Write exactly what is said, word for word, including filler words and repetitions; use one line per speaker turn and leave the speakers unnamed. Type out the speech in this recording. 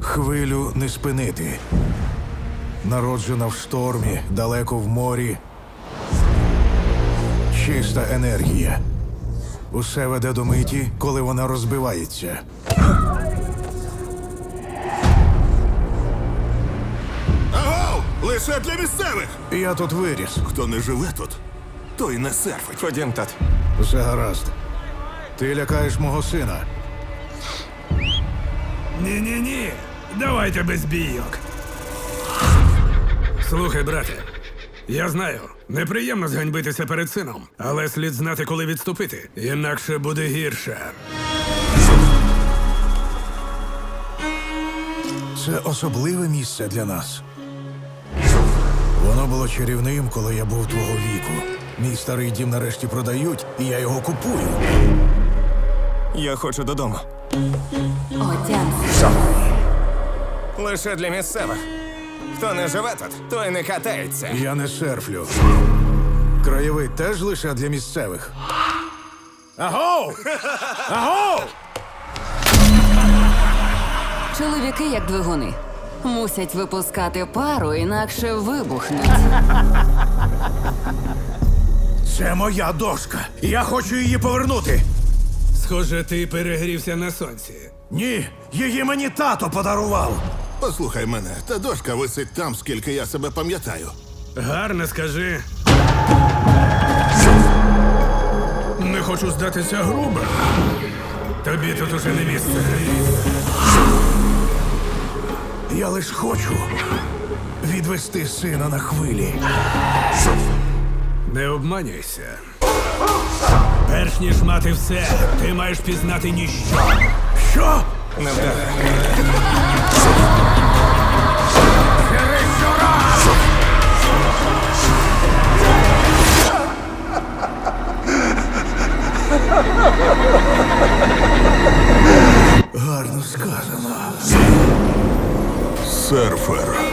Хвилю не спинити. Народжена в штормі, далеко в морі. Чиста енергія. Усе веде до миті, коли вона розбивається.
Агов! Лише для місцевих!
Я тут виріс.
Хто не живе тут, той не серфить.
Ходім, тат.
Все гаразд. Ти лякаєш мого сина.
Ні-ні-ні, давайте без бійок. Слухай, брате, я знаю, неприємно зганьбитися перед сином, але слід знати, коли відступити, інакше буде гірше.
Це особливе місце для нас. Воно було чарівним, коли я був твого віку. Мій старий дім нарешті продають, і я його купую.
Я хочу додому.
Отямся.
Лише для місцевих. Хто не живе тут, той не катається.
Я не серфлю. Краєвид теж лише для місцевих. Агов! Агов!
Чоловіки як двигуни. Мусять випускати пару, інакше вибухнуть.
Це моя дошка. Я хочу її повернути.
Схоже, ти перегрівся на сонці.
Ні, її мені тато подарував.
Послухай мене, та дошка висить там, скільки я себе пам'ятаю.
Гарно скажи. Не хочу здатися грубо. Тобі тут уже не місце.
Я лиш хочу відвести сина на хвилі.
Не обманюйся. Перш ніж мати все, ти маєш пізнати ніщо.
Що?
Не вдаре.
Гарно сказано.
Серфер.